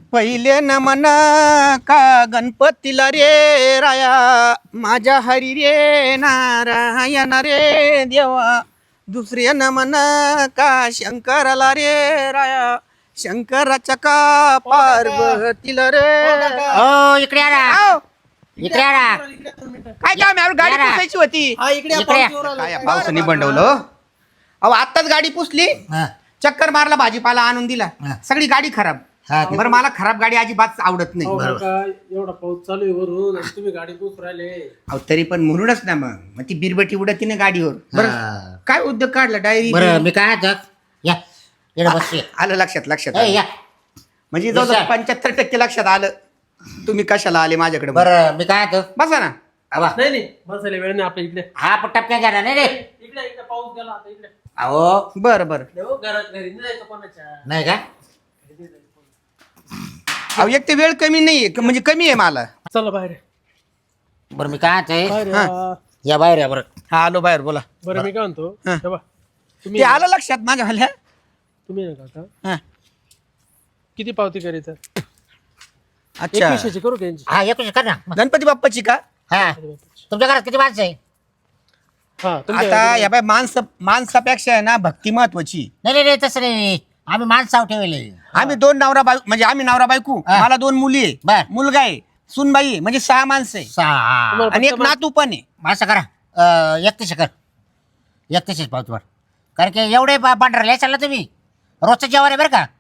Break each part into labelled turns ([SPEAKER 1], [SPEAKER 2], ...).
[SPEAKER 1] पहिले नमन का गणपतीला रे राया माझ्या हरी रे नारायण रे देवा. दुसरे नमन का शंकराला रे राया शंकराच्या का पार्वतीला रे.
[SPEAKER 2] हो इकडे या ना.
[SPEAKER 1] आव,
[SPEAKER 2] इकडे या ना.
[SPEAKER 1] काय काम आहे? गाडी
[SPEAKER 2] या ना.
[SPEAKER 1] पुसायची होती.
[SPEAKER 2] इकडे या.
[SPEAKER 1] काय या पावसाने बंडवलं. अहो आत्ताच गाडी पुसली,
[SPEAKER 2] हा,
[SPEAKER 1] चक्कर मारला, भाजीपाला आणून दिला,
[SPEAKER 2] हा.
[SPEAKER 1] सगळी गाडी खराब.
[SPEAKER 2] हा,
[SPEAKER 1] बरं मला खराब गाडी अजिबात आवडत नाही.
[SPEAKER 3] एवढा पाऊस चालू आहे वरून आणि तुम्ही गाडी पुस राहिले.
[SPEAKER 1] अहो तरी पण म्हणूनच ना मग ती बिरबटी उडती ना गाडीवर. बरं
[SPEAKER 2] हा.
[SPEAKER 1] काय उद्योग काढला डायरी?
[SPEAKER 2] बरं मी काय आता या इकडे बसते.
[SPEAKER 1] आलं लक्षात
[SPEAKER 2] ए, या.
[SPEAKER 1] म्हणजे जवळजवळ
[SPEAKER 2] Yes, sir.
[SPEAKER 1] 75% लक्षात आलं. तुम्ही कशाला आले माझ्याकडे?
[SPEAKER 2] बरं मी काय आता
[SPEAKER 1] बसा ना.
[SPEAKER 2] आबा.
[SPEAKER 3] नाही नाही बसायला वेळ नाही आपल्या इकडे.
[SPEAKER 2] हा पण टपक्या जाणार नाही रे.
[SPEAKER 3] इकडे इकडे पाऊस गेला आता इकडे.
[SPEAKER 2] अहो
[SPEAKER 1] बरं
[SPEAKER 3] हो, घरात घरी नाही जायचं कोणाच्या.
[SPEAKER 2] नाही का
[SPEAKER 1] अहो एक ते वेळ कमी नाहीये म्हणजे कमी आहे मला.
[SPEAKER 3] चला बाहेर
[SPEAKER 2] बरं मी काय आता
[SPEAKER 3] बाहेर
[SPEAKER 1] हा.
[SPEAKER 3] या.
[SPEAKER 2] या बाहेर या बरं.
[SPEAKER 1] हा आलो बाहेर बोला.
[SPEAKER 3] बरं मी काय म्हणतो
[SPEAKER 1] हा.
[SPEAKER 3] हे बा,
[SPEAKER 1] ते
[SPEAKER 3] तुम्ही
[SPEAKER 1] आलं लक्षात माझ्या हल्ल्या.
[SPEAKER 3] तुम्ही ना काका
[SPEAKER 1] हा.
[SPEAKER 3] किती पावती करायचं?
[SPEAKER 1] अच्छा
[SPEAKER 3] 2100 करू त्यांची.
[SPEAKER 2] हा एकूण कर ना.
[SPEAKER 1] गणपती बाप्पाची का?
[SPEAKER 2] हा तुमच्या घरात किती माणसं आहे?
[SPEAKER 3] हा
[SPEAKER 1] आता
[SPEAKER 3] तुमच्या
[SPEAKER 1] या बाय माणसापेक्षा आहे ना भक्ती महत्वाची.
[SPEAKER 2] नाही नाही नाही तसं नाही. आम्ही माणसाव ठेवले.
[SPEAKER 1] आम्ही दोन नवरा बायको म्हणजे आम्ही नवरा बायको.
[SPEAKER 2] हा.
[SPEAKER 1] मला 2 मुली आहे,
[SPEAKER 2] बर.
[SPEAKER 1] मुलगा आहे, सुनबाई आहे, म्हणजे 6 माणसं आहे
[SPEAKER 2] सहा.
[SPEAKER 3] तुम्हाला
[SPEAKER 1] आणि एक
[SPEAKER 3] फक्त
[SPEAKER 1] नातू पण आहे.
[SPEAKER 2] असं करा 31 कर 31 पावती वर. कारण की एवढे पांढरले चालला तुम्ही रोजचं जेवण आहे बरं का.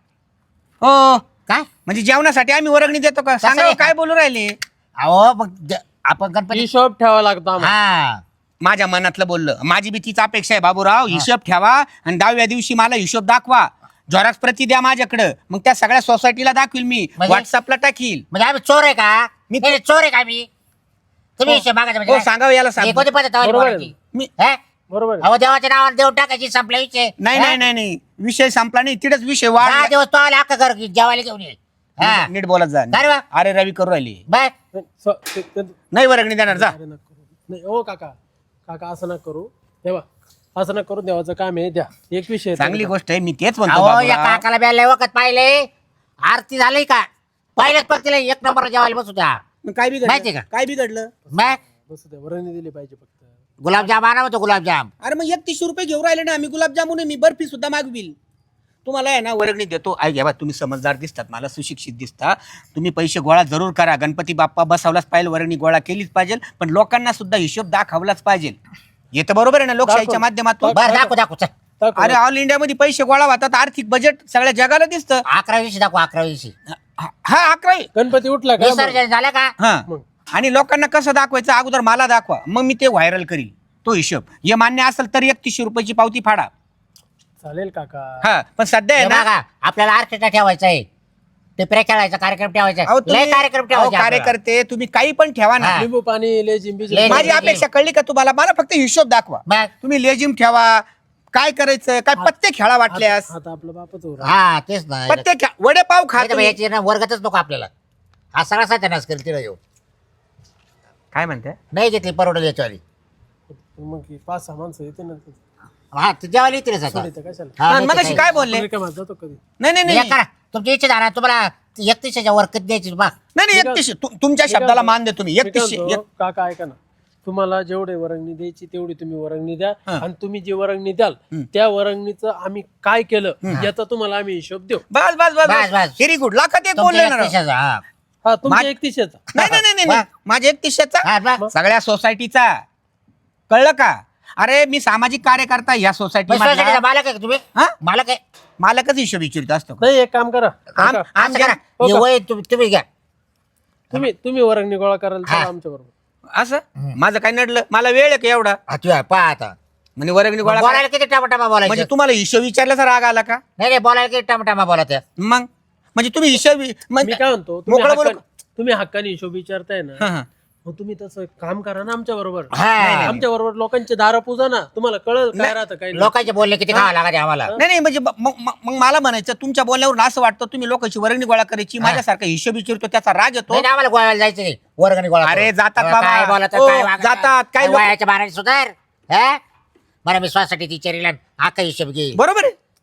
[SPEAKER 1] हो
[SPEAKER 2] काय
[SPEAKER 1] म्हणजे जेवणासाठी आम्ही वर्गणी देतो का? सांगा
[SPEAKER 2] नाही.
[SPEAKER 1] हो, काय बोलू राहिले?
[SPEAKER 2] अहो मग आपण गणपती
[SPEAKER 3] हिशोब ठेवा लागतो आम्हाला.
[SPEAKER 2] हा
[SPEAKER 1] माझ्या मनातलं बोललं. माझी बी तीच अपेक्षा आहे बाबूराव. हिशोब ठेवा आणि 10व्या दिवशी मला हिशोब दाखवा. झेरॉक्स प्रती द्या माझ्याकडं. मग त्या सगळ्या सोसायटीला दाखवील मी,
[SPEAKER 2] म्हणजे?
[SPEAKER 1] व्हॉट्सअपला टाकील.
[SPEAKER 2] म्हणजे आम्ही चोर आहे का?
[SPEAKER 1] मी-
[SPEAKER 2] नाही, चोर आहे का मी? तुम्ही हिशोब मागायचा
[SPEAKER 1] हो
[SPEAKER 2] म्हणजे
[SPEAKER 1] सांगावं याला
[SPEAKER 2] हे
[SPEAKER 1] सांग.
[SPEAKER 2] कोणती पद्धत आहे
[SPEAKER 3] बरोबर आहे.
[SPEAKER 2] बोलायची?
[SPEAKER 1] मी
[SPEAKER 2] हे?
[SPEAKER 3] बरोबर आहे.
[SPEAKER 2] अहो देवाच्या नावाने देऊन टाकायची संपला विषय.
[SPEAKER 1] नाही
[SPEAKER 2] हे?
[SPEAKER 1] नाही नाही नाही विषय संपला नाही. तिथेच विषय
[SPEAKER 2] 10
[SPEAKER 1] वाढ.
[SPEAKER 2] दिवस तो आला अख्खा घर जेवायला घेऊन ये. हा
[SPEAKER 1] नीट बोलत जा.
[SPEAKER 2] अरे वा.
[SPEAKER 1] अरे रवी करू राहिली.
[SPEAKER 2] बाय
[SPEAKER 3] नाही,
[SPEAKER 1] नाही वर्गणी देणार जा.
[SPEAKER 3] अरे नका करू. नाही ओ काका काका असं नका करू. तेव्हा असं नका करू. देवाचं काम आहे द्या. 2100
[SPEAKER 1] चांगली गोष्ट आहे. मी तेच म्हणतो
[SPEAKER 2] अहो या
[SPEAKER 1] बाबूराव.
[SPEAKER 2] काकाला ब्याला वखत पाहिले आरती झाली का पहिल्याच पंक्तीला 1 नंबर जेवायला बसू द्या.
[SPEAKER 1] मग काय
[SPEAKER 2] माहिती
[SPEAKER 1] बिघडलं?
[SPEAKER 2] का?
[SPEAKER 1] काय बिघडलं?
[SPEAKER 2] बाय
[SPEAKER 3] बसू द्या. वर्णी दिली पाहिजे फक्त.
[SPEAKER 2] गुलाबजाम आणा होतो गुलाबजाम.
[SPEAKER 1] अरे मग 31 रुपये घेऊन राहिले ना. आम्ही गुलाबजामुन आहे, मी बर्फी सुद्धा मागविल. तुम्हाला आहे ना वर्गणी देतो. ऐक घ्या बा, तुम्ही समजदार दिसतात, मला सुशिक्षित दिसता. तुम्ही पैसे गोळा जरूर करा. गणपती बाप्पा बसवलाच पाहिजे, वर्गणी गोळा केलीच पाहिजे, पण लोकांना सुद्धा हिशोब दाखवलाच पाहिजे. येतं बरोबर आहे ना लोकशाहीच्या माध्यमातून?
[SPEAKER 2] बरं दाखव दाखव चल.
[SPEAKER 3] दाखव.
[SPEAKER 1] अरे ऑल इंडियामध्ये पैसे गोळा होतात. आर्थिक बजेट सगळ्या जगाला दिसतं.
[SPEAKER 2] 11 दाखव 11
[SPEAKER 1] हा 11.
[SPEAKER 3] गणपती उठला का?
[SPEAKER 2] विसर्जन झालं का?
[SPEAKER 1] हा
[SPEAKER 3] मग.
[SPEAKER 1] आणि लोकांना कसं दाखवायचं अगोदर मला दाखवा, मग मी ते व्हायरल करील तो हिशोब. हे मान्य असेल तर 31 रुपयाची पावती फाडा.
[SPEAKER 3] चालेल काका.
[SPEAKER 1] हा पण सध्या आहे
[SPEAKER 2] हे
[SPEAKER 1] ना
[SPEAKER 2] बघा आपल्याला ऑर्केस्ट्रा ठेवायचा आहे. टिपऱ्या खेळायचा कार्यक्रम ठेवायचा
[SPEAKER 1] अहो,
[SPEAKER 2] लय कार्यक्रम
[SPEAKER 1] अहो,
[SPEAKER 2] ठेवायचे आपल्याला.
[SPEAKER 1] कार्यकर्ते तुम्ही काही पण ठेवा ना.
[SPEAKER 2] हा.
[SPEAKER 3] लिंबू पाणी लेजिम
[SPEAKER 2] ले-
[SPEAKER 1] माझी अपेक्षा कळली का तुम्हाला? मला फक्त हिशोब दाखवा.
[SPEAKER 2] मग
[SPEAKER 1] तुम्ही लेजिम ठेवा, काय करायचं, काय पत्ते खेळा वाटल्यास.
[SPEAKER 3] आता आपलं बापच हो
[SPEAKER 2] हा तेच ना
[SPEAKER 1] पत्ते खेळा, वडेपाव खा
[SPEAKER 2] नाही तर मग
[SPEAKER 1] तुम्ही.
[SPEAKER 2] याची ना वर्गातच नको आपल्याला. हा सगळा सत्यानाश करेल तिला येऊ.
[SPEAKER 1] काय म्हणते?
[SPEAKER 2] नाही घेतली परवडेल याच्यावाली.
[SPEAKER 3] मग 5-6 माणसं येते ना.
[SPEAKER 2] हा तू जेवायला येते रे सकाळ.
[SPEAKER 3] सोडीचं कशाला?
[SPEAKER 2] हा, नाही
[SPEAKER 1] मग
[SPEAKER 2] तर
[SPEAKER 1] अशी काय बोलले?
[SPEAKER 3] आपण रिकाम्यात जातो कधी.
[SPEAKER 1] नाही नाही
[SPEAKER 2] काय.
[SPEAKER 1] नाही
[SPEAKER 2] एक करा तुमची इच्छा झाला तुम्हाला 31च्या वर कधी द्यायची बा.
[SPEAKER 1] नाही नाही 31. तुमच्या शब्दाला मान दे तुम्ही.
[SPEAKER 3] मी काय
[SPEAKER 1] 31.
[SPEAKER 3] म्हणतो, काका ऐका ना. तुम्हाला जेवढे वर्गणी द्यायची तेवढी तुम्ही वर्गणी द्या.
[SPEAKER 1] हा.
[SPEAKER 3] आणि तुम्ही जी वर्गणी द्याल त्या वर्गणीचं आम्ही काय केलं याचा तुम्हाला आम्ही हिशोब देऊ.
[SPEAKER 1] बस बस बस
[SPEAKER 2] बस, बस.
[SPEAKER 1] Very good. लाखात एक बोलले
[SPEAKER 2] तुमच्या
[SPEAKER 1] ना राव.
[SPEAKER 2] 31च्या हा.
[SPEAKER 3] हा तुमच्या
[SPEAKER 1] मा-
[SPEAKER 3] 3100चा.
[SPEAKER 1] नाही नाही नाही नाही माझ्या 31चा
[SPEAKER 2] हा, बा.
[SPEAKER 1] सगळ्या सोसायटीचा. कळलं का? अरे मी सामाजिक कार्यकर्ता या सोसायटी
[SPEAKER 2] मग सोसायटीचा मालक आहे का तुम्ही?
[SPEAKER 1] हा?
[SPEAKER 2] मालक आहे.
[SPEAKER 1] मालकच हिशोब विचारित असतो.
[SPEAKER 3] नाही एक काम करा
[SPEAKER 1] आम-
[SPEAKER 3] काका,
[SPEAKER 1] आम-
[SPEAKER 2] असं करा
[SPEAKER 3] हो
[SPEAKER 2] हे
[SPEAKER 3] का?
[SPEAKER 2] वय तुम्ही घ्या.
[SPEAKER 3] तुम्ही वर्गणी गोळा कराल
[SPEAKER 2] हा.
[SPEAKER 3] आमच्या बरोबर.
[SPEAKER 1] असं माझं काय नडलं? मला वेळ आहे का एवढा?
[SPEAKER 2] हा, तू आहे, पहा आता
[SPEAKER 1] म्हणजे वर्गणी गोळा
[SPEAKER 2] बोलायला किती टमाटामा
[SPEAKER 1] म्हणजे
[SPEAKER 2] बोलायचं.
[SPEAKER 1] तुम्हाला हिशोब विचारल्याचा राग आला का?
[SPEAKER 2] नाही नाही बोलायला किती टमाटामा बोलायचं.
[SPEAKER 1] मग म्हणजे तुम्ही हिशोब
[SPEAKER 3] मी काय म्हणतो तुम्ही
[SPEAKER 1] मोकळं बोलू
[SPEAKER 3] तुम्ही हक्काने हिशोब विचारताय ना.
[SPEAKER 1] हा, हा.
[SPEAKER 3] मग तुम्ही तसं काम करा ना आमच्या बरोबर.
[SPEAKER 2] हा.
[SPEAKER 3] आमच्या बरोबर लोकांचे दार पूजा ना. तुम्हाला कळलं काय राहतं काय नाही.
[SPEAKER 2] लोकांचे बोलले किती खावा लागत आम्हाला.
[SPEAKER 1] नाही नाही म्हणजे मग मला म्हणायचं तुमच्या बोलण्यावरून असं वाटतं तुम्ही लोकांची वर्गणी गोळा करायची. माझ्यासारखा हिशोब विचारतो त्याचा राग येतो.
[SPEAKER 2] नाही, नाही, आम्हाला गोव्याला जायचं नाही वर्गणी गोळा
[SPEAKER 1] अरे,
[SPEAKER 2] करून.
[SPEAKER 1] जातात
[SPEAKER 2] अहो,
[SPEAKER 1] बाबा.
[SPEAKER 2] काय बोलत
[SPEAKER 1] हो,
[SPEAKER 2] काय वागत?
[SPEAKER 1] जातात. काय लोक-
[SPEAKER 2] वयाच्या बाराने सुधार. हा? मला विश्वासासाठी ती चेरीला आका हिशोब घे.
[SPEAKER 1] बरोबर आहे.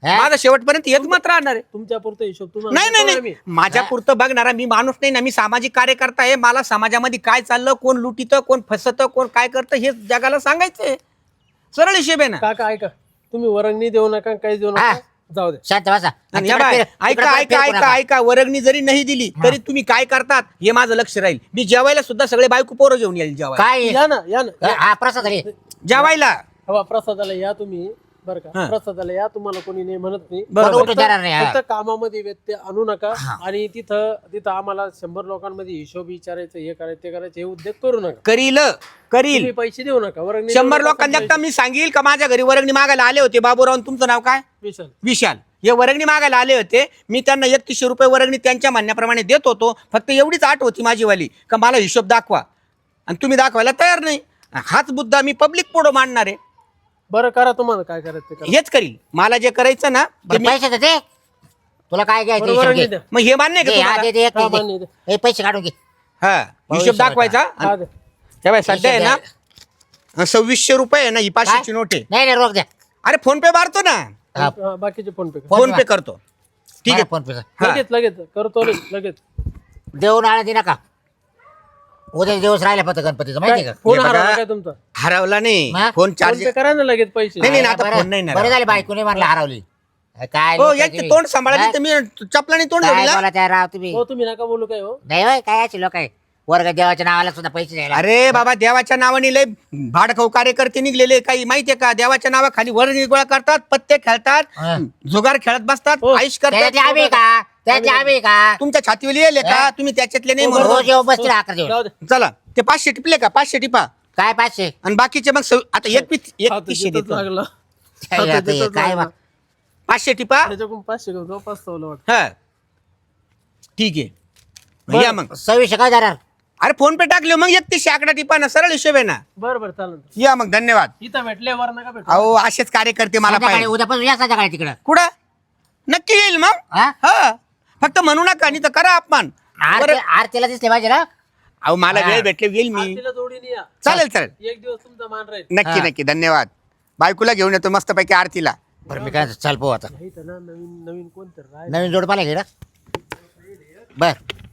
[SPEAKER 2] हा?
[SPEAKER 1] माझा शेवटपर्यंत हेच मत राहणार आहे.
[SPEAKER 3] तुमच्या पुरता हिशोब तुम्हाला
[SPEAKER 1] नाही नाही
[SPEAKER 3] देतो ना
[SPEAKER 1] नाही
[SPEAKER 3] मी.
[SPEAKER 1] माझ्या पुरतं बघणारा मी माणूस नाही ना. मी सामाजिक कार्यकर्ता आहे. मला समाजामध्ये काय चाललं, कोण लुटीतं, कोण फसतं, कोण काय करतं हे जगाला सांगायचंय. सरळ हिशेब आहे ना.
[SPEAKER 3] काका ऐका, तुम्ही वरंगणी देऊ नका, काही देऊ
[SPEAKER 2] हा.
[SPEAKER 3] नका, जाऊ दे.
[SPEAKER 2] शांत बसा.
[SPEAKER 1] आणि या बाय, ऐका ऐका ऐका ऐका वर्गणी जरी नाही दिली तरी तुम्ही काय करतात हे माझं लक्ष राहील. मी जेवायला सुद्धा सगळे बायको पोरं घेऊन येईल जेवायला.
[SPEAKER 2] काय
[SPEAKER 3] या ना या ना
[SPEAKER 2] हा प्रसाद झाली
[SPEAKER 1] जेवायला
[SPEAKER 3] हवा प्रसादाला या तुम्ही बरं का.
[SPEAKER 1] हा.
[SPEAKER 3] प्रसादाला या, तुम्हाला कोणी नाही म्हणत नाही.
[SPEAKER 1] बरोबर.
[SPEAKER 2] उठून देणार नाही, हा.
[SPEAKER 3] फक्त कामामध्ये व्यत्यय आणू नका. आणि तिथं आम्हाला 100 लोकांमध्ये हिशोब विचारायचं, हे करायचं ते करायचं, हे उद्योग करू नका.
[SPEAKER 1] करील
[SPEAKER 3] तुम्ही पैसे देऊ नका. वरंगणी
[SPEAKER 1] 100
[SPEAKER 3] देऊ नका,
[SPEAKER 1] लोकांना मी सांगेल का माझ्या घरी वर्गणी मागायला आले होते. बाबूराव तुमचं नाव काय?
[SPEAKER 3] विशाल.
[SPEAKER 1] विशाल. हे वर्गणी मागायला आले होते. मी त्यांना 3100 रुपये वर्गणी त्यांच्या म्हणण्याप्रमाणे देत होतो. फक्त एवढीच आठ होती माझीवाली का मला हिशोब दाखवा, आणि तुम्ही दाखवायला तयार नाही. हाच मुद्दा मी पब्लिक पुढे मांडणार आहे.
[SPEAKER 3] बरं करा, तुम्हाला काय करायचं ते करा.
[SPEAKER 1] हेच करील. मला जे करायचं ना ते मी-
[SPEAKER 2] पैसे दे तुला काय घ्यायचं
[SPEAKER 3] बरोबर
[SPEAKER 2] हिशोब
[SPEAKER 3] नाही
[SPEAKER 2] घे.
[SPEAKER 3] द्या.
[SPEAKER 1] मग हे मान्य आहे का
[SPEAKER 2] दे, हा,
[SPEAKER 1] तुम्हाला?
[SPEAKER 2] दे, दे, एक
[SPEAKER 3] हा,
[SPEAKER 2] दे.
[SPEAKER 3] मान्य दे.
[SPEAKER 2] हे पैसे काढून घे.
[SPEAKER 1] हा हिशोब दाखवायचा.
[SPEAKER 3] हा, दे.
[SPEAKER 1] हे बाय सध्या आहे ना
[SPEAKER 2] हिशोब
[SPEAKER 1] 2600 रुपये आहे ना ही 500ची नोट आहे.
[SPEAKER 2] नाही नाही रोख द्या.
[SPEAKER 1] अरे फोन पे मारतो ना.
[SPEAKER 2] हा,
[SPEAKER 3] हा, बाकीचे फोन पे करा.
[SPEAKER 2] फोन
[SPEAKER 1] फोन पे करतो. ठीक आहे.
[SPEAKER 2] फोन पे
[SPEAKER 1] हा.
[SPEAKER 3] लगेच करतो लगेच.
[SPEAKER 2] देऊन आला दे नका. उद्या दिवस राहिला फक्त गणपतीचं माहिती
[SPEAKER 3] काय?
[SPEAKER 2] का.
[SPEAKER 3] फोन
[SPEAKER 1] हे बघा.
[SPEAKER 3] हरवला काय तुमचा?
[SPEAKER 1] हरवला नाही.
[SPEAKER 2] हा?
[SPEAKER 1] फोन
[SPEAKER 3] फोन
[SPEAKER 1] चार्ज
[SPEAKER 3] पे करा ना लगेच पैसे.
[SPEAKER 1] नाही, नाही, आता
[SPEAKER 2] बरं-
[SPEAKER 1] फोन नाही ना.
[SPEAKER 2] बरं झाले बायकोने म्हणला हरवली. काय
[SPEAKER 1] हो
[SPEAKER 2] लोकं
[SPEAKER 1] एक
[SPEAKER 2] तुम्ही.
[SPEAKER 1] तोंड सांभाळा
[SPEAKER 2] हा?
[SPEAKER 1] तर मी चपलाने तोंड
[SPEAKER 2] काय
[SPEAKER 1] जोडीला.
[SPEAKER 2] बोला त्या राव तुम्ही.
[SPEAKER 3] हो तुम्ही नका बोलू काय हो.
[SPEAKER 2] नाही होय काय असे लोक आहे वर्ग देवाच्या नावाला सुद्धा पैसे द्यायला.
[SPEAKER 1] अरे बाबा देवाच्या नावाने लय भाडखाऊ कार्यकर्ते निघलेले. काही माहितीये का देवाच्या नावाखाली वर गोळा करतात, पत्ते खेळतात,
[SPEAKER 2] हा.
[SPEAKER 1] जुगार खेळत बसतात,
[SPEAKER 3] हो.
[SPEAKER 1] आईश
[SPEAKER 2] त्याच्यातले
[SPEAKER 1] करतात.
[SPEAKER 2] आम्ही का त्यातले आम्ही का
[SPEAKER 1] तुमच्या छातीवर लिहिले का
[SPEAKER 2] हा?
[SPEAKER 1] तुम्ही त्याच्यातले नाही
[SPEAKER 3] हो,
[SPEAKER 1] म्हणून.
[SPEAKER 2] रोज येऊ बसतील अकरा दिवस.
[SPEAKER 3] जाऊ दे.
[SPEAKER 1] चला ते 500 टिपले का? 500 टिपा
[SPEAKER 2] काय 500
[SPEAKER 1] आणि बाकीचे मग आता एक
[SPEAKER 3] आता
[SPEAKER 1] 3100
[SPEAKER 3] जिथंच
[SPEAKER 1] देतो.
[SPEAKER 3] लागला.
[SPEAKER 2] काय
[SPEAKER 3] आता
[SPEAKER 2] आता हे
[SPEAKER 3] जिथंच
[SPEAKER 2] काय
[SPEAKER 3] लागला.
[SPEAKER 2] बा-
[SPEAKER 1] 500 टिपा.
[SPEAKER 3] त्याच्याकडून 500 घेऊन जाऊ, 500 वाटतं.
[SPEAKER 1] हा ठीक आहे. मग या मग.
[SPEAKER 2] 2600 काय जाणार.
[SPEAKER 1] अरे फोन पे टाकले मग 3100 आकडा टिपा ना. सरळ हिशोब आहे ना.
[SPEAKER 3] बरं चालेल.
[SPEAKER 1] या मग धन्यवाद.
[SPEAKER 3] इथं भेटले वर नका भेटू.
[SPEAKER 1] अहो असेच कार्यकर्ते मला
[SPEAKER 2] संध्याकाळी
[SPEAKER 1] पाहिजे.
[SPEAKER 2] उद्यापासून या संध्याकाळी तिकडं.
[SPEAKER 1] कुठं नक्की येईल मग.
[SPEAKER 2] हा?
[SPEAKER 1] हा फक्त म्हणू नका नाही तर करा अपमान.
[SPEAKER 2] आरतीला दिसले पाहिजे ना.
[SPEAKER 1] अहो मला
[SPEAKER 2] हा.
[SPEAKER 1] वेळ भेटले येईल मी.
[SPEAKER 3] आरतीला जोडीने या.
[SPEAKER 1] चालेल चालेल.
[SPEAKER 3] एक दिवस तुमचा मान राहील.
[SPEAKER 1] नक्की
[SPEAKER 2] हा.
[SPEAKER 1] नक्की धन्यवाद. बायकोला घेऊन येतो मस्त पैकी आरतीला.
[SPEAKER 2] बरं मी काय चाल पाहू आता.
[SPEAKER 3] इथं ना नवीन नवीन कोणतरी राहील.
[SPEAKER 2] नवीन जोड पाहिजे ना. बर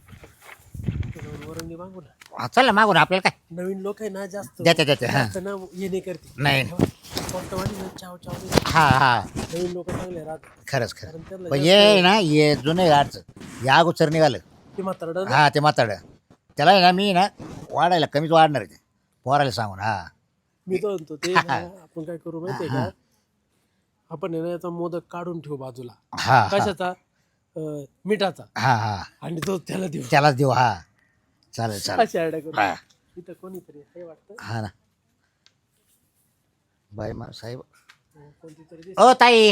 [SPEAKER 3] वरंगी मागू ना.
[SPEAKER 2] हा, चल ना मागून आपल्याला काय
[SPEAKER 3] नवीन लोक आहे ना जास्त
[SPEAKER 2] देते देते हा
[SPEAKER 3] जास्त ना ये नाही करते.
[SPEAKER 2] नाही
[SPEAKER 3] फक्त वाली ना चाव चाव नाही.
[SPEAKER 2] हा हा
[SPEAKER 3] नवीन लोक चांगले राहतात.
[SPEAKER 2] खरंच
[SPEAKER 3] कारण
[SPEAKER 2] खरं
[SPEAKER 3] त्यांना
[SPEAKER 2] पण ये ना ये जुनं गाडचं या अगोदर निघालं.
[SPEAKER 3] ते म्हातारडं ना.
[SPEAKER 2] हा ते म्हाताड त्याला आहे ना मी ना वाढायला कमीच वाढणार आहे ते पोरायला सांगून. हा
[SPEAKER 3] मी तो म्हणतो ते ना, आपण काय करू माहितीये का, आपण आहे ना याचा मोदक काढून ठेवू बाजूला.
[SPEAKER 2] हा हा
[SPEAKER 3] कशाचा? मिठाचा.
[SPEAKER 2] हा हा
[SPEAKER 3] आणि तो त्याला देऊ.
[SPEAKER 2] त्यालाच देऊ. हा चालेल चालेल.
[SPEAKER 3] अशी आयडिया करू.
[SPEAKER 2] हा
[SPEAKER 3] इथं कोणीतरी हे वाटतं
[SPEAKER 2] हा ना बाई मा साहेब.
[SPEAKER 3] कोणती तरी
[SPEAKER 2] ओ ताई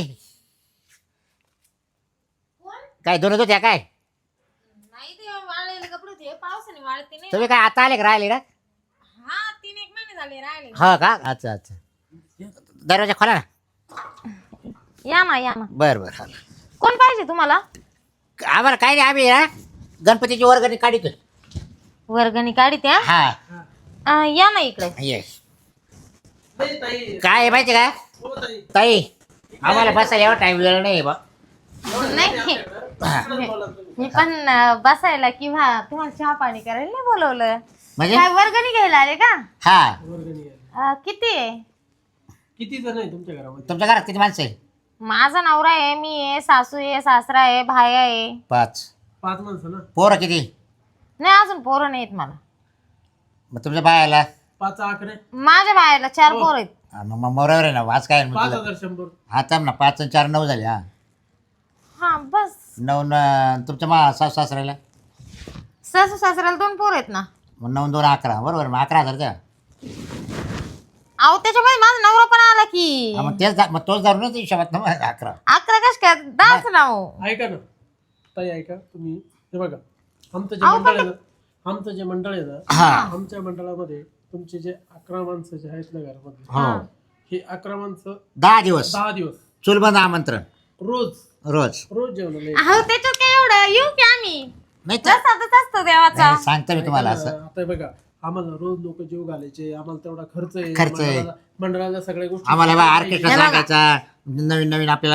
[SPEAKER 2] काय दोन होत्या काय
[SPEAKER 4] नाही ते वाळलेले कपडे होते, पावसाने वाळते नाही.
[SPEAKER 2] तुम्ही काय आता आले का राहिले ना.
[SPEAKER 4] हा 3-1 महिने झाले राहिले.
[SPEAKER 2] हो का अच्छा अच्छा दरवाजा खोला ना.
[SPEAKER 4] या ना.
[SPEAKER 2] बरं बरं हा
[SPEAKER 4] कोण पाहिजे तुम्हाला?
[SPEAKER 2] आम्हाला काय नाही आम्ही ना गणपतीची वर्गणी काढितोय.
[SPEAKER 4] वर्गणी काढीत्या.
[SPEAKER 2] हा
[SPEAKER 4] या ना इकडे.
[SPEAKER 2] येस
[SPEAKER 3] नाही, ताई.
[SPEAKER 2] काय आहे माहिती का
[SPEAKER 3] हो, ताई.
[SPEAKER 2] ताई आम्हाला बसायला एवढा टाइम वेळ नाही बा.
[SPEAKER 4] नाही
[SPEAKER 2] हा.
[SPEAKER 4] मी पण बसायला किंवा तुम्हाला चहा पाणी करायला नाही बोलवलं.
[SPEAKER 2] म्हणजे
[SPEAKER 4] काय वर्गणी घ्यायला आले का?
[SPEAKER 2] हा
[SPEAKER 3] वर्गणी आहे.
[SPEAKER 4] किती आहे?
[SPEAKER 3] किती जण आहे तुमच्या घरामध्ये?
[SPEAKER 2] तुमच्या घरात किती माणसं आहे.
[SPEAKER 4] माझा नवरा आहे, मी आहे, सासू आहे, सासरा आहे, भाया आहे.
[SPEAKER 2] 5
[SPEAKER 3] 5 माणसं ना.
[SPEAKER 2] पोरं किती.
[SPEAKER 4] नाही अजून पोरं नाहीत मला.
[SPEAKER 2] मग तुमच्या बायाला
[SPEAKER 3] 5 आकडे.
[SPEAKER 4] माझ्या भायाला 4 पोरं आहेत.
[SPEAKER 2] मग मोरावर आहे ना वाच काय मग तुला.
[SPEAKER 3] 5100.
[SPEAKER 2] हा थांब ना 5 आणि 4 9 झाले. हा
[SPEAKER 4] हा बस.
[SPEAKER 2] 9 तुमच्या सासू सासऱ्याला
[SPEAKER 4] सासू सासऱ्याला 2 पोरं आहेत ना.
[SPEAKER 2] मग 9 2 11 बरोबर. मग 11,000 द्या.
[SPEAKER 4] अहो त्याच्यामध्ये माझा नवरा पण आला की.
[SPEAKER 2] हा, मग तोच धरूनच हिशोबात ना मग 11.
[SPEAKER 4] 11 कश काय 10च नाव.
[SPEAKER 3] ऐका ना ताई, ऐका तुम्ही. हे बघा आमचं जे
[SPEAKER 4] अहो,
[SPEAKER 3] मंडळ आहे ना, आमचं जे मंडळ आहे ना,
[SPEAKER 2] हा
[SPEAKER 3] आमच्या मंडळामध्ये तुमचे जे 11 माणसं जे आहेत ना घरामध्ये,
[SPEAKER 2] हो
[SPEAKER 3] हे 11 माणसं
[SPEAKER 2] 10 दिवस
[SPEAKER 3] 10 दिवस
[SPEAKER 2] चुलबंद आमंत्रण
[SPEAKER 3] रोज
[SPEAKER 2] रोज
[SPEAKER 3] जेवणाला
[SPEAKER 4] अहो त्याच्यात काय एवढं येऊ की आम्ही.
[SPEAKER 2] नाही तर-
[SPEAKER 4] जसाच असतो देवाचा.
[SPEAKER 2] नाही, सांगतो मी तुम्हाला
[SPEAKER 3] यायचं.
[SPEAKER 2] असं.
[SPEAKER 3] आता बघा आम्हाला रोज लोक जीव घालायचे, आम्हाला तेवढा खर्च आहे.
[SPEAKER 2] खर्च आहे.
[SPEAKER 3] मंडळाला सगळ्या गोष्टी
[SPEAKER 2] आम्हाला बा ऑर्केस्ट्रा
[SPEAKER 4] हे बघा.
[SPEAKER 2] सांगायचा नवीन नवीन आपल्याला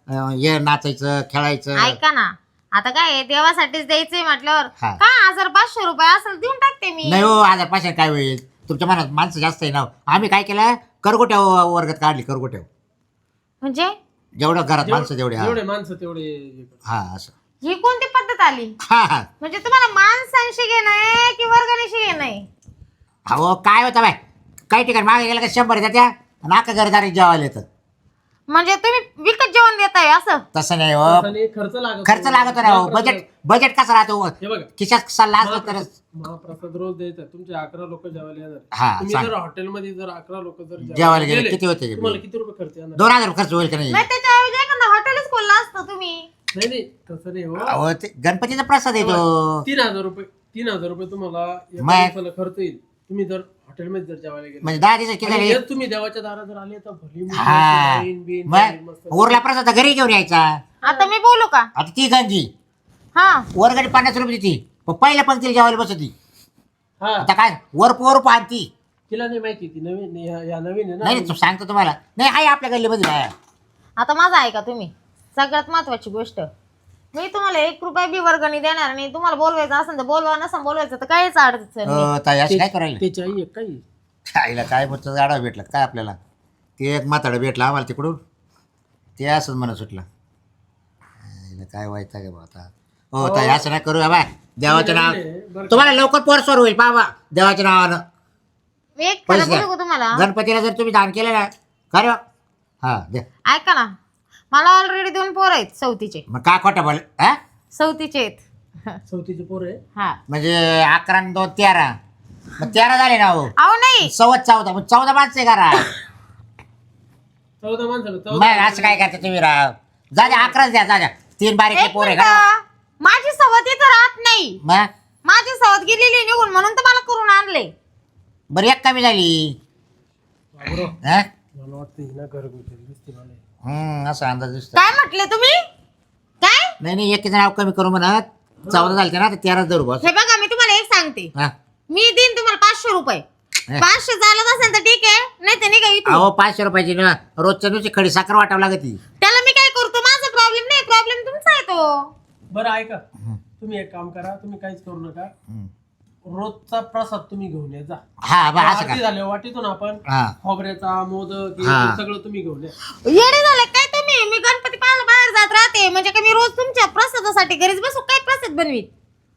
[SPEAKER 2] हे नाचायचं खेळायचं.
[SPEAKER 4] ऐका ना, आता काय आहे, देवासाठीच द्यायचंय म्हटल्यावर
[SPEAKER 2] हा.
[SPEAKER 4] काय 1500 रुपये असेल देऊन टाकते मी.
[SPEAKER 2] नाही हो 1500 काय होईल तुमच्या मनात माणसं जास्त आहे ना. आम्ही काय केलं करगोट्या वर्गात काढली करगोट्या.
[SPEAKER 4] म्हणजे
[SPEAKER 2] जेवढं घरात माणसं जेवढे
[SPEAKER 3] जेवढे माणसं तेवढे हे करतात.
[SPEAKER 2] हा असं.
[SPEAKER 4] ही कोणती पद्धत आली?
[SPEAKER 2] हा हा.
[SPEAKER 4] म्हणजे तुम्हाला माणसांशी घेणं आहे की वर्गणीशी घेणं आहे?
[SPEAKER 2] अहो काय होतं बाय काही ठिकाणी मागे गेलं का 100 देत्या आणि अख्खा घरदारी जेवायला येतं.
[SPEAKER 4] म्हणजे तुम्ही विकत जेवण देताय असं?
[SPEAKER 2] तसं नाही हो.
[SPEAKER 3] आणि खर्च लागतो
[SPEAKER 2] ना हो. बजेट कसं राहतो
[SPEAKER 3] हे बघा
[SPEAKER 2] खिशात सल्ला असला तरच.
[SPEAKER 3] महाप्रसाद रोज द्यायचा. तुमचे 11 लोक जेवायला येणार.
[SPEAKER 2] हा,
[SPEAKER 3] तुम्ही
[SPEAKER 2] सांग.
[SPEAKER 3] जर हॉटेलमध्ये जर 11 लोक जर
[SPEAKER 2] जेवायला गेले किती होते?
[SPEAKER 3] तुम्हाला किती रुपये खर्च येणार?
[SPEAKER 2] 2000 खर्च होईल का नाही?
[SPEAKER 4] नाही त्याच्याऐवजी एखादं हॉटेलच खोललं असतं तुम्ही.
[SPEAKER 3] नाही नाही तसं नाही हो.
[SPEAKER 2] अहो ते गणपतीचा प्रसाद येतो.
[SPEAKER 3] 3000 रुपये तुम्हाला एका
[SPEAKER 2] मग?
[SPEAKER 3] दिवसाला खर्च येईल. तुम्ही जर हॉटेलमध्ये जर जेवायला गेले
[SPEAKER 2] म्हणजे 10 दिवस किती
[SPEAKER 3] आणि
[SPEAKER 2] झाले?
[SPEAKER 3] जर तुम्ही देवाच्या दारात जर आले तर भली मोठी
[SPEAKER 2] हा
[SPEAKER 3] वाईन बिन
[SPEAKER 2] मग
[SPEAKER 3] मस्त.
[SPEAKER 2] उरला प्रसाद तर घरी घेऊन यायचा.
[SPEAKER 4] आता मी बोलू का?
[SPEAKER 2] आता ती गंजी
[SPEAKER 4] हा,
[SPEAKER 2] वरगडी 50 रुपये देती पण पहिल्या पंक्तीला जेवायला बसती.
[SPEAKER 3] हा
[SPEAKER 2] आता काय वर आणती.
[SPEAKER 3] तिला नाही माहिती ती नवीन या नवीन आहे
[SPEAKER 2] नाही
[SPEAKER 3] ना.
[SPEAKER 2] नाही, सांगतो तुम्हाला नाही आहे आपल्या गल्लीमध्ये आहे.
[SPEAKER 4] आता माझं ऐका तुम्ही. सगळ्यात महत्वाची गोष्ट, मी तुम्हाला 1 रुपया बी वर्गणी देणार नाही. तुम्हाला बोलवायचं असेल तर बोलवा, नसेल बोलवायचं तर काहीच अडचण नाही.
[SPEAKER 2] ताई असं काय करायला?
[SPEAKER 3] त्याची आई एक काही
[SPEAKER 2] आईला काय बोलतं गाडा भेटला काय आपल्याला. ते एक म्हाताडं भेटलं आम्हाला तिकडून ते असंच म्हणत सुटलं. आईला काय व्हायचं का बा आता. हो ताई असं नाही करू बाबा देवाचं नाव.
[SPEAKER 3] बरं का?
[SPEAKER 2] तुम्हाला लवकर पोरसवर होईल बाबा देवाच्या नावानं.
[SPEAKER 4] मी एक खरं
[SPEAKER 2] पैसे द्या.
[SPEAKER 4] बोलू का तुम्हाला?
[SPEAKER 2] गणपतीला जर तुम्ही दान केलं ना खरं हा द्या.
[SPEAKER 4] ऐका ना, मला ऑलरेडी 2 पोर आहेत सौतीचे.
[SPEAKER 2] मग काय खोटं बोल हा
[SPEAKER 4] सौतीचे आहेत.
[SPEAKER 3] चौथीचे पोर आहे.
[SPEAKER 4] हा.
[SPEAKER 2] म्हणजे 11 आणि 2 13 मग 13 झाले ना हो.
[SPEAKER 4] अहो नाही,
[SPEAKER 2] 14 मग 14 माणसं आहे करा.
[SPEAKER 3] 14 माणसाला
[SPEAKER 2] मग असं काय करता तुम्ही राव. जा द्या 11च द्या जा द्या. 3 बारीकले
[SPEAKER 4] एक
[SPEAKER 2] पोर आहे
[SPEAKER 4] मिनिट.
[SPEAKER 2] का.
[SPEAKER 4] माझी सवत इथं राहत नाही.
[SPEAKER 2] मग
[SPEAKER 4] माझी सवत गेलेली निघून म्हणून तर मला करून आणले.
[SPEAKER 2] बरं एक कमी झाली
[SPEAKER 3] बाबरो,
[SPEAKER 2] हा
[SPEAKER 3] मला वाटतं ही ना घरगुती दिसते मला.
[SPEAKER 2] असा अंदाज दिसतो.
[SPEAKER 4] काय म्हटले तुम्ही? काय?
[SPEAKER 2] नाही एकीचं नाव कमी करू म्हणत 14 झाले ना तर 13 धरू बस.
[SPEAKER 4] हे बघा, मी तुम्हाला एक सांगते.
[SPEAKER 2] हा
[SPEAKER 4] मी देईन तुम्हाला 500 रुपये. 500 चालत असेल तर ठीक आहे, नाही तर नाही का इथून.
[SPEAKER 2] अहो 500 रुपयाची ना रोजच्या नुसती खडी साखर वाटावं लागती.
[SPEAKER 4] त्याला मी काय करतो? माझा प्रॉब्लेम नाही, प्रॉब्लेम तुमचा आहे तो.
[SPEAKER 3] बरं ऐका तुम्ही एक काम करा. तुम्ही काहीच करू नका. रोजचा प्रसाद तुम्ही घेऊन या जा.
[SPEAKER 2] हा बा असं
[SPEAKER 3] आरती
[SPEAKER 2] का.
[SPEAKER 3] झाले वाटीतून आपण
[SPEAKER 2] हा
[SPEAKER 3] खोबऱ्याचा मोदक हे
[SPEAKER 2] हा.
[SPEAKER 3] ते सगळं तुम्ही घेऊन या.
[SPEAKER 4] येडे झाले काय तुम्ही? मी गणपती पाहायला बाहेर जात राहते म्हणजे का मी रोज तुमच्या प्रसादासाठी घरीच बसू काय प्रसाद बनवीत?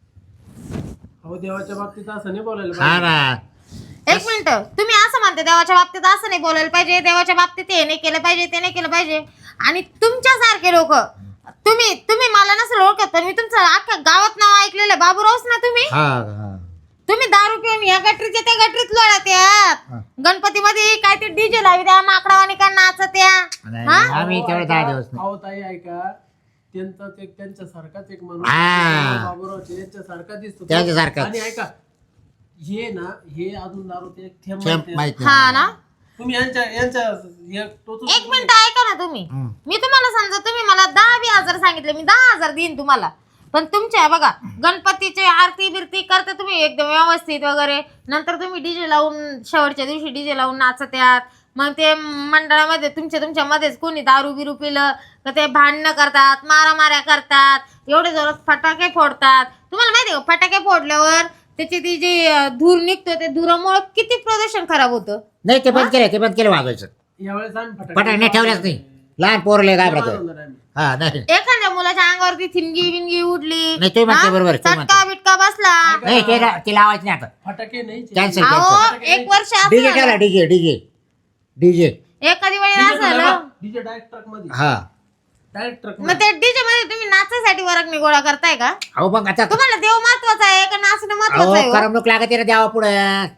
[SPEAKER 3] अहो देवाच्या बाबतीत असं नाही बोलायला
[SPEAKER 2] हा
[SPEAKER 3] पाहिजे.
[SPEAKER 2] ना
[SPEAKER 4] एक मिनिट, तुम्ही असं म्हणते देवाच्या बाबतीत असं नाही बोलायला पाहिजे, देवाच्या बाबतीत हे नाही केलं पाहिजे, ते नाही केलं पाहिजे. आणि तुमच्यासारखे लोक, तुम्ही मला नसेल ओळखत पण मी तुमचं अख्ख्या गावात नाव ऐकलेलं. बाबूरावच ना तुम्ही?
[SPEAKER 2] हा हा
[SPEAKER 4] तुम्ही दारू पिऊन या गटरीच्या त्या गटरीत लोळत यात. गणपतीमध्ये काय ते डीजे लावी द्या, माकडावानी काय नाचत या.
[SPEAKER 2] नाही,
[SPEAKER 4] हा?
[SPEAKER 2] आम्ही तेवढे 10 दिवस नाही.
[SPEAKER 3] अहो ताई ऐका त्यांच्यासारखाच एक माणूस
[SPEAKER 2] हा.
[SPEAKER 3] बाबूरावचे यांच्यासारखा दिसतो.
[SPEAKER 2] त्यांच्यासारखाच.
[SPEAKER 3] आणि ऐका हे ना हे अजून दारू ते एक थेंब
[SPEAKER 2] थेंब
[SPEAKER 3] माहिती
[SPEAKER 2] माहित
[SPEAKER 3] आहे.
[SPEAKER 4] हा
[SPEAKER 2] नाही.
[SPEAKER 4] ना.
[SPEAKER 3] तुम्ही यांच्या हे टोचून
[SPEAKER 4] एक मिनिट ऐका ना तुम्ही.
[SPEAKER 2] हम्म.
[SPEAKER 4] मी तुम्हाला समजा तुम्ही मला 10,000 सांगितले, मी 10,000 देईन तुम्हाला. पण तुमच्या बघा गणपतीचे आरती बिरती करता तुम्ही एकदम व्यवस्थित वगैरे. नंतर तुम्ही डीजे लावून शेवटच्या दिवशी डीजे लावून नाचत यात. मग ते मंडळामध्ये तुमच्या मध्येच कोणी दारू बिरू पिलं तर ते भांडणं करतात, मारामाऱ्या करतात, एवढे जोरात फटाके फोडतात. तुम्हाला माहिती आहे का फटाके फोडल्यावर त्याची ती जी धूर निघतो ते धुरामुळे किती प्रदूषण खराब होतं.
[SPEAKER 2] नाही ते बंद केलं वाजवायचं.
[SPEAKER 3] यावेळेस आम्ही
[SPEAKER 2] फटाके नाही ठेवल्याच नाही. लहान पोरले घाबरत.
[SPEAKER 3] बनवणार आम्ही.
[SPEAKER 2] हा नाही
[SPEAKER 4] एखाद्या मुलाच्या अंगावरती थिनगी बिनगी उडली,
[SPEAKER 2] नाही, तुम्ही म्हणते
[SPEAKER 4] हा?
[SPEAKER 2] बरोबर, तुम्ही
[SPEAKER 4] चटका
[SPEAKER 2] म्हणते.
[SPEAKER 4] बिटका बसला.
[SPEAKER 2] नाही ते लावायचं नाही आता.
[SPEAKER 3] फटाके नाही
[SPEAKER 2] कॅन्सल
[SPEAKER 4] अहो 1 वर्ष
[SPEAKER 2] डीजे
[SPEAKER 4] असं
[SPEAKER 2] ठेवला डीजे
[SPEAKER 4] एखादी वेळी असं झालं
[SPEAKER 3] डीजे डायरेक्ट ट्रक मध्ये
[SPEAKER 2] हा
[SPEAKER 3] डायरेक्ट ट्रक
[SPEAKER 4] मग ते डीजे मध्ये तुम्ही नाचायसाठी वर्गणी गोळा करताय का?
[SPEAKER 2] अहो मग आता
[SPEAKER 4] तुम्हाला देव महत्वाचा आहे का नाचणं महत्वाचं
[SPEAKER 2] अहो
[SPEAKER 4] आहे हो?
[SPEAKER 2] करमणूक लागत ना द्यावा पुढे.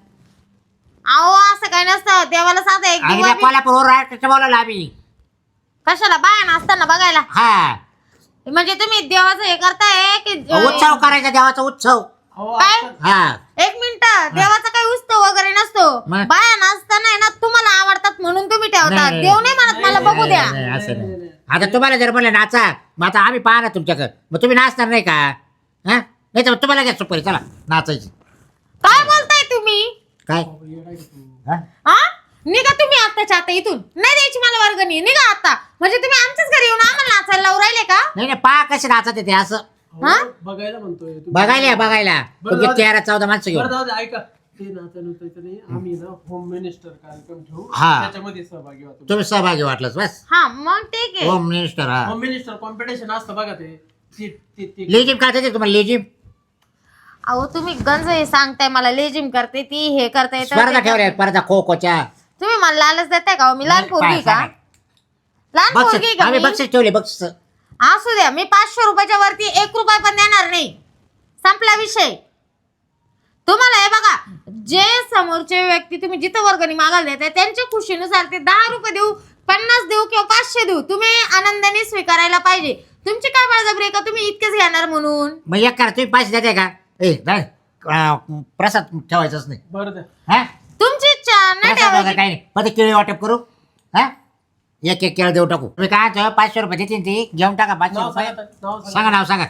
[SPEAKER 4] अहो असं काही नसतं. देवाला साधा एक
[SPEAKER 2] आणि
[SPEAKER 4] दिवा बी-
[SPEAKER 2] कोल्हापूर राष्ट्राचं बोलावलं आम्ही.
[SPEAKER 4] कशाला बाया नाचताना बघायला?
[SPEAKER 2] हा
[SPEAKER 4] म्हणजे तुम्ही देवाचं हे करताय की
[SPEAKER 2] उत्सव करायचा देवाचा उत्सव.
[SPEAKER 3] अहो
[SPEAKER 4] काय?
[SPEAKER 3] आजकाल-
[SPEAKER 2] हा
[SPEAKER 4] एक मिनिट, देवाचा काही उत्सव वगैरे नसतो.
[SPEAKER 2] मग?
[SPEAKER 4] बाया नाचताना आहे ना तुम्हाला आवडतात म्हणून तुम्ही ठेवतात.
[SPEAKER 2] नाही,
[SPEAKER 4] देव नाही म्हणत मला बघू द्या.
[SPEAKER 2] नाही, असं नाही. आता तुम्हाला जर म्हणलं नाचा मग आता आम्ही पाहणार तुमच्याकडे मग तुम्ही नाचणार नाही का. हा नाही तर तुम्हाला घ्या सुपारी चला नाचायची.
[SPEAKER 4] काय बोलताय तुम्ही?
[SPEAKER 2] काय
[SPEAKER 3] येडा आहे का तू?
[SPEAKER 2] हा?
[SPEAKER 4] हा? निघा तुम्ही आत्ताच्या आता इथून, नाही द्यायची मला वर्गणी, निघा आता. म्हणजे तुम्ही आमच्याच घरी येऊन आम्हाला नाचायला लावून राहिले का?
[SPEAKER 2] नाही नाही पा कसे नाचत येते असं
[SPEAKER 3] हो, बघायला म्हणतोय तुम्ही.
[SPEAKER 2] बघायला
[SPEAKER 3] बरं,
[SPEAKER 2] तुम्ही
[SPEAKER 3] जाऊ दे.
[SPEAKER 2] 13-14 माणसं
[SPEAKER 3] बरं
[SPEAKER 2] घेऊन
[SPEAKER 3] जाऊ दे, ऐका ते नाचायचं नाही. आम्ही ना होम मिनिस्टर कार्यक्रम ठेवू,
[SPEAKER 2] हा.
[SPEAKER 3] त्याच्यामध्ये सहभागी व्हा तुम्ही.
[SPEAKER 2] तुम्ही सहभागी वाटलंच बस
[SPEAKER 4] हा मग ठीक आहे.
[SPEAKER 2] होम मिनिस्टर हा
[SPEAKER 3] होम मिनिस्टर कॉम्पिटिशन असतं बघा ते
[SPEAKER 2] लेजिम काय देते तुम्हाला लेजिम
[SPEAKER 4] अहो तुम्ही गंज हे सांगताय मला, लेजिम करते ती, हे करता
[SPEAKER 2] स्पर्धा
[SPEAKER 4] येतं.
[SPEAKER 2] ठेवल्या स्पर्धा खो खोच्या
[SPEAKER 4] तुम्ही मला लालच देताय का? मी लहान पोरगी का? लहान पोरगी
[SPEAKER 2] बक्षीस
[SPEAKER 4] का
[SPEAKER 2] आम्ही
[SPEAKER 4] मी?
[SPEAKER 2] बक्षीस ठेवले बक्षीस
[SPEAKER 4] असू द्या, मी 500 रुपयाच्या वरती 1 रुपया पण देणार नाही. संपला विषय. तुम्हाला हे बघा, जे समोरचे व्यक्ती तुम्ही जिथं वर्गणी मागायला देताय त्यांच्या खुशीनुसार ते 10 रुपये देऊ, 50 देऊ किंवा 500 देऊ, तुम्ही आनंदाने स्वीकारायला पाहिजे. तुमची काय बळजबरी आहे का तुम्ही इतकेच घेणार म्हणून?
[SPEAKER 2] मग एक करा तुम्ही पैसे देते का नाही प्रसाद ठेवायचाच नाही
[SPEAKER 3] बरं द्या.
[SPEAKER 2] हा
[SPEAKER 4] तुमची इच्छा नाही
[SPEAKER 2] प्रसाद वगैरे
[SPEAKER 4] ठेवायची.
[SPEAKER 2] काही नाही मग ते केळी वाटप करू हा एक केळं देऊ टाकू तुम्ही काय म्हणतो 500 रुपये देतील ती घेऊन टाका 500
[SPEAKER 3] नाव
[SPEAKER 2] रुपये
[SPEAKER 3] सांगा, नाव सांगा.
[SPEAKER 2] सांगा नाव सांगा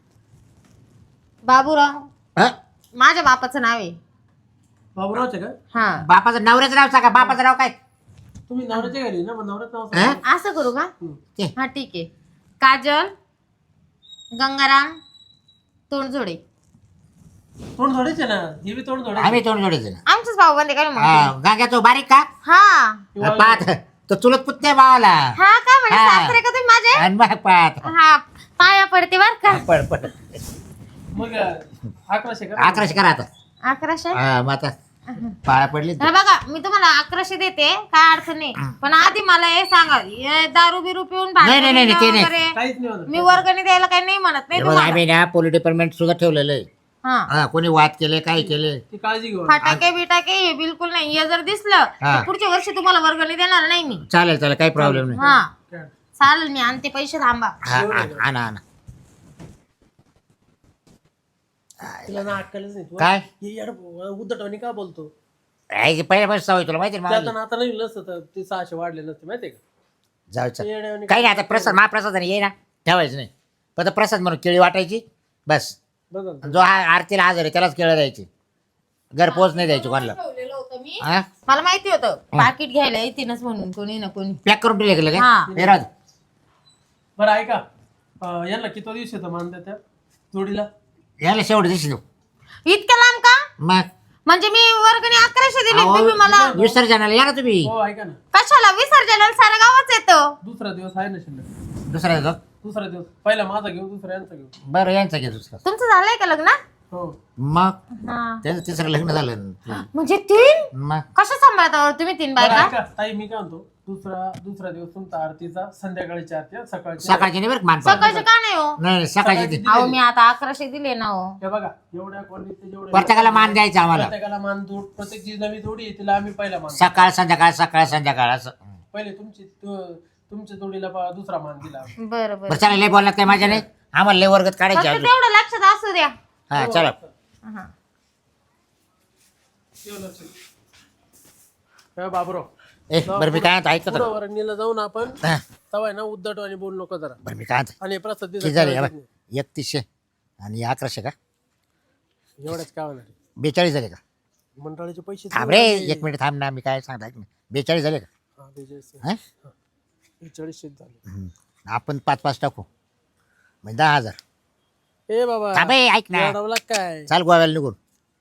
[SPEAKER 4] बाबूराव
[SPEAKER 2] हा?
[SPEAKER 4] माझ्या बापाचं नाव आहे.
[SPEAKER 3] बाबूरावचे का?
[SPEAKER 4] हा
[SPEAKER 2] बापाचं नवऱ्याचं नाव सांगा बापाचं नाव काय
[SPEAKER 3] तुम्ही नवऱ्याच्या घरी ना, मग नवऱ्याचं नाव
[SPEAKER 2] हा?
[SPEAKER 3] सांगा.
[SPEAKER 4] असं करू का?
[SPEAKER 2] ते
[SPEAKER 4] हा ठीक आहे. काजल गंगाराम तोंडजोडे.
[SPEAKER 3] तोंड जोडायचे ना, हे बी तोंड जोडायचे.
[SPEAKER 2] आम्ही तोंड जोडायचं ना
[SPEAKER 4] आमचंच भाऊ बंद काय मग?
[SPEAKER 2] हा, गांग्या तो बारीक का
[SPEAKER 4] हा
[SPEAKER 2] पाहत तो चुलत पुतण्या भावाला
[SPEAKER 4] हा का म्हणजे
[SPEAKER 2] हा.
[SPEAKER 4] सासरे का तुम्ही माझे?
[SPEAKER 2] आणि मग पाहत
[SPEAKER 4] हा पाया पडते बर का.
[SPEAKER 2] पड पड
[SPEAKER 3] मग 1100 का?
[SPEAKER 2] 1100 करा आता
[SPEAKER 4] 1100.
[SPEAKER 2] हा मग आता पाया पडली
[SPEAKER 4] हे बघा मी तुम्हाला 1100 देते, काय अडचण नाही. पण आधी मला हे सांगा, हे दारू बिरू पिऊन
[SPEAKER 2] नाही, नाही, नाही, ते नाही.
[SPEAKER 4] वगैरे
[SPEAKER 3] काहीच नाही होणार.
[SPEAKER 4] मी वर्गणी द्यायला काही नाही म्हणत नाही
[SPEAKER 2] बघ
[SPEAKER 4] तुम्हाला.
[SPEAKER 2] आम्ही ना पोलीस डिपार्टमेंट सुद्धा ठेवलेलं आहे
[SPEAKER 4] हा
[SPEAKER 2] हा कोणी वाद केले काय केले
[SPEAKER 3] ती काळजी घेऊ.
[SPEAKER 4] फटाके बिटाके हे बिलकुल नाही. हे जर दिसलं
[SPEAKER 2] हा.
[SPEAKER 4] तर पुढच्या वर्षी तुम्हाला वर्गणी देणार नाही मी.
[SPEAKER 2] चालेल चालेल काही प्रॉब्लेम नाही
[SPEAKER 4] हा
[SPEAKER 3] काय?
[SPEAKER 4] चालेल, मी आणते पैसे, थांबा.
[SPEAKER 2] हा आणा आणा
[SPEAKER 3] तिला ना अक्कलच नाही.
[SPEAKER 2] काय
[SPEAKER 3] हे यार उद्धटवाणी का बोलतो?
[SPEAKER 2] पहिल्यापासून सवय तुला माहिती आहे ना
[SPEAKER 3] त्यात
[SPEAKER 2] माझी?
[SPEAKER 3] आता नाही नसतं तर ते 600 वाढले नसते माहितीये का?
[SPEAKER 2] जाऊ चल
[SPEAKER 3] येड्यावानी
[SPEAKER 2] काही नाही आता प्रसाद महाप्रसाद ये ना ठेवायचं नाही फक्त प्रसाद म्हणून केळी वाटायची बस
[SPEAKER 3] बघा ना.
[SPEAKER 2] जो आरतीला हजर आहे त्यालाच केळं द्यायची घर पोच नाही द्यायची कोणाला
[SPEAKER 4] ठेवलेलं होतं मी.
[SPEAKER 2] हा
[SPEAKER 4] मला माहिती होतं पाकिट घ्यायला येतीनच म्हणून कोणी ना कोणी.
[SPEAKER 2] पॅक करून ठेवले गेलं
[SPEAKER 4] हा.
[SPEAKER 2] काय हे राहू दे.
[SPEAKER 3] बरं ऐका, यांना किती दिवस येतं मान त्या जोडीला?
[SPEAKER 2] याला शेवट दिसली तू
[SPEAKER 4] इतक्या लांब का?
[SPEAKER 2] मग
[SPEAKER 4] म्हणजे मी वर्गणी 1100 दिली,
[SPEAKER 2] अहो,
[SPEAKER 4] तुम्ही मला
[SPEAKER 2] विसर्जनाला या ना तुम्ही
[SPEAKER 3] हो ऐका ना,
[SPEAKER 4] कशाला? विसर्जनाला सारं गावच येतं.
[SPEAKER 3] दुसरा दिवस आहे ना शिल्लक.
[SPEAKER 2] दुसरा येतो
[SPEAKER 3] दुसरा दिवस पहिला माझा घेऊ, दुसरा यांचा घेऊ.
[SPEAKER 2] बरं यांचं घे दुसरं
[SPEAKER 4] तुमचं झालंय का लग्न?
[SPEAKER 3] हो
[SPEAKER 2] मग
[SPEAKER 4] हा.
[SPEAKER 2] त्याचं तिसरं लग्न झालं
[SPEAKER 4] म्हणजे 3?
[SPEAKER 2] मग
[SPEAKER 4] कसं सांभाळता तुम्ही 3
[SPEAKER 3] बरं
[SPEAKER 4] बायका?
[SPEAKER 3] ऐका ताई, मी काय म्हणतो, दुसरा दिवस तुमचा आरतीचा, संध्याकाळची आरती आहे, सकाळची.
[SPEAKER 2] सकाळची नाही बरं का मानपान
[SPEAKER 4] सकाळचं का नाही हो?
[SPEAKER 2] नाही नाही, सकाळची ती.
[SPEAKER 4] अहो मी आता 1100 दिले ना हो.
[SPEAKER 3] हे बघा एवढ्या क्वालिटीचे जेवढे
[SPEAKER 2] प्रत्येकाला मान द्यायचा आम्हाला
[SPEAKER 3] प्रत्येकाला मान जोड, प्रत्येक जी नवी जोडी आहे तिला आम्ही पहिला मान.
[SPEAKER 2] सकाळ संध्याकाळ असं
[SPEAKER 3] पहिले तुमच्या जोडीला दुसरा मान दिला आम्ही.
[SPEAKER 4] बरं बरं
[SPEAKER 2] बरं चला लय बोललात काय माझ्या नाही आम्हाला लय वर्गात काढायचे
[SPEAKER 4] फक्त
[SPEAKER 2] अजून
[SPEAKER 4] तेवढं लक्षात असू द्या.
[SPEAKER 2] हा चला
[SPEAKER 4] हा.
[SPEAKER 3] ठेवलं असेल. हे बाबूराव,
[SPEAKER 2] बरं मी काय म्हणतो ऐकत
[SPEAKER 3] पुढं वरणीला जाऊन आपण
[SPEAKER 2] हा,
[SPEAKER 3] तवाय ना उद्धटवाणी बोलू नको जरा.
[SPEAKER 2] बरं मी काय म्हणतो
[SPEAKER 3] आणि प्रसाद
[SPEAKER 2] किती झाले
[SPEAKER 3] दिला
[SPEAKER 2] 3100 आणि 1100 का
[SPEAKER 3] एवढ्याच काय होणार आहे?
[SPEAKER 2] 42 झाले का
[SPEAKER 3] मंडळाचे पैसे
[SPEAKER 2] थांब रे 1 मिनिट थांब ना मी काय सांगता ऐक ना 42 झाले का
[SPEAKER 3] हा, 42.
[SPEAKER 2] हा?
[SPEAKER 3] 42 झाले.
[SPEAKER 2] हम्म. आपण 5-5 टाकू म्हणजे 10,000
[SPEAKER 3] ए बाबा,
[SPEAKER 2] थांब ए, ऐक ना
[SPEAKER 3] वाढवला काय?
[SPEAKER 2] चाल गोव्याला निघून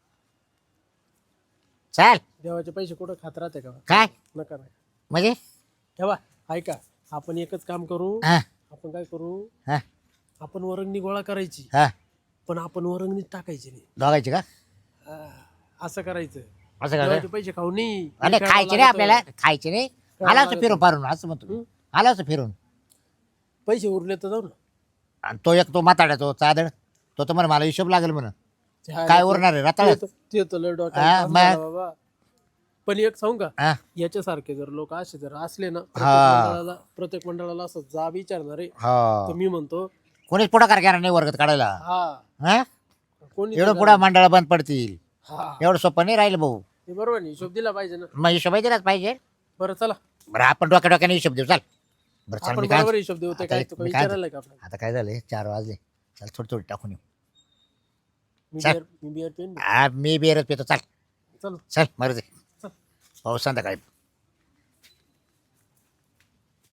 [SPEAKER 2] चाल
[SPEAKER 3] देवाचे पैसे कुठं खात राहते का?
[SPEAKER 2] काय
[SPEAKER 3] नका नाही.
[SPEAKER 2] म्हणजे
[SPEAKER 3] ठेवा, ऐका, आपण एकच काम करू.
[SPEAKER 2] हा
[SPEAKER 3] आपण काय करू,
[SPEAKER 2] हा
[SPEAKER 3] आपण वरंगणी गोळा करायची,
[SPEAKER 2] हा
[SPEAKER 3] पण आपण वरंगणीत टाकायची नाही.
[SPEAKER 2] दोघायचे का
[SPEAKER 3] हा, असं करायचं.
[SPEAKER 2] असं का
[SPEAKER 3] देवाचे पैसे खाऊ नाही.
[SPEAKER 2] अरे
[SPEAKER 3] खेळावं
[SPEAKER 2] खायचे नाही
[SPEAKER 3] लागतं.
[SPEAKER 2] आपल्याला खायचे नाही आला असं फिरून पारून असं म्हणतो आला असं फिरून
[SPEAKER 3] पैसे उरले तर जाऊ ना.
[SPEAKER 2] आणि तो एक तो म्हाताडा तो चादड तो तर मला हिशोब लागेल म्हणून काय उरणार आहे रताळ
[SPEAKER 3] ते तर लय
[SPEAKER 2] हा,
[SPEAKER 3] डोक्यात
[SPEAKER 2] मग.
[SPEAKER 3] ताप झाला बाबा. पण एक सांगू का,
[SPEAKER 2] हा
[SPEAKER 3] याच्यासारखे जर लोक असे जर असले ना,
[SPEAKER 2] हा.
[SPEAKER 3] प्रत्येक मंडळाला असं जा विचारणारे,
[SPEAKER 2] हो
[SPEAKER 3] तर मी म्हणतो
[SPEAKER 2] कोणीच पुढाकार घेणार नाही वर्गात काढायला
[SPEAKER 3] हा,
[SPEAKER 2] हा
[SPEAKER 3] कोणी
[SPEAKER 2] एवढं पुढं मंडळ बंद पडतील
[SPEAKER 3] हा,
[SPEAKER 2] एवढं सोपं नाही राहिलं भाऊ
[SPEAKER 3] हे बरोबर नाही, हिशोब दिला पाहिजे ना.
[SPEAKER 2] मग हिशोब दिलाच पाहिजे
[SPEAKER 3] बरं चला,
[SPEAKER 2] बरं आपण डोक्याने हिशोब देऊ चाल बरं चाल
[SPEAKER 3] आपण
[SPEAKER 2] मी काय
[SPEAKER 3] बरोबर हिशोब देऊ. ते
[SPEAKER 2] आता
[SPEAKER 3] काय
[SPEAKER 2] एक-
[SPEAKER 3] तू काय
[SPEAKER 2] मी काय
[SPEAKER 3] विचारायला का आपल्याला?
[SPEAKER 2] आता काय झालंय 4 वाजले चल थोडी टाकून येऊ
[SPEAKER 3] मी बिअर पेन
[SPEAKER 2] मी बिअरच पितो चाल
[SPEAKER 3] चल
[SPEAKER 2] चल मरू दे
[SPEAKER 3] चल.
[SPEAKER 2] पाऊस संध्याकाळी